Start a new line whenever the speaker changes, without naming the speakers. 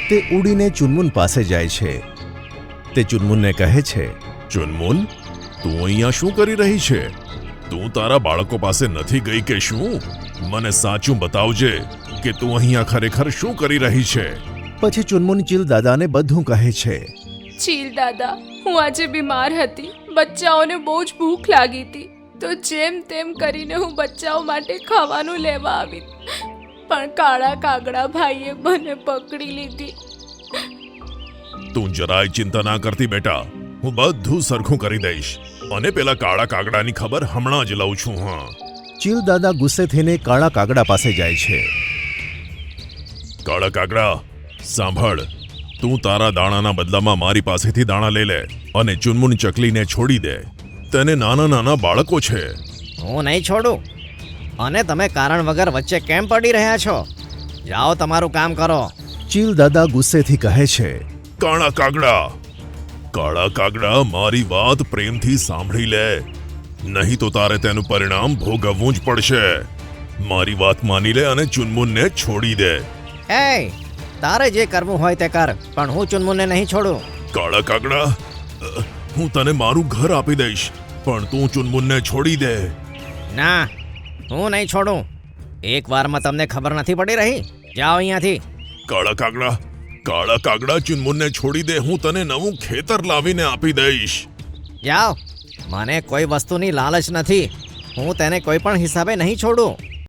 તે ઉડીને ચુનમુન પાસે જાય છે. તે ચુનમુનને કહે છે,
ચુનમુન, તું અહીંયા શું કરી રહી છે? તું તારા બાળકો પાસે નથી ગઈ કે શું? મને સાચું બતાવજે કે તું અહીંયા ખરેખર શું કરી રહી છે.
પછી ચુનમુન ચીલ દાદાને બધું કહે છે.
ચીલ દાદા, હું આજે બીમાર હતી. બચ્ચાઓને બહુ જ ભૂખ લાગી હતી, તો જેમ તેમ કરીને હું બચ્ચાઓ માટે ખાવાનું લેવા આવી, પણ કાળા કાગડા ભાઈએ મને પકડી લીધી.
તું જરાય ચિંતા ના કરતી બેટા, હું બધું સરખું કરી દઈશ અને પેલા કાળા કાગડાની ખબર હમણાં જ લઉં છું. હા,
ચીલ દાદા ગુસ્સે થઈને કાળા કાગડા પાસે જાય છે.
કાળા કાગડા, સાંભળ, તું તારા દાણાના બદલામાં મારી પાસેથી દાણા લઈ લે અને ચુનમુન ચકલીને છોડી દે. તેને નાના નાના બાળકો છે.
હું નહીં છોડું. અને તમે કારણ વગર વચ્ચે કેમ પડી રહ્યા છો? જાઓ, તમારું કામ કરો.
ચીલ દાદા ગુસ્સેથી કહે છે,
કાળા કાગડા, કાળા કાગડા, મારી વાત પ્રેમથી સાંભળી લે, નહીં તો તારે તેનું પરિણામ ભોગવવું જ પડશે. મારી વાત માની લે અને ચુનમુનને છોડી દે.
એ, તારે જે કરવું હોય તે કર, પણ હું ચુનમુનને નહીં છોડું.
કાળા કાગડા, હું તને મારું ઘર આપી દઈશ, પણ તું ચુનમુનને છોડી દે.
ના, હું નહીં છોડું. એક વારમાં તમને ખબર નથી પડી રહી? જાઓ અહીંયાથી.
કાળા કાગડા, ચુનમુનને છોડી દે, હું તને નવું ખેતર લાવીને આપી દઈશ.
જાઓ. મને કોઈ વસ્તુની લાલચ નથી. હું તેને કોઈ પણ હિસાબે નહીં છોડું.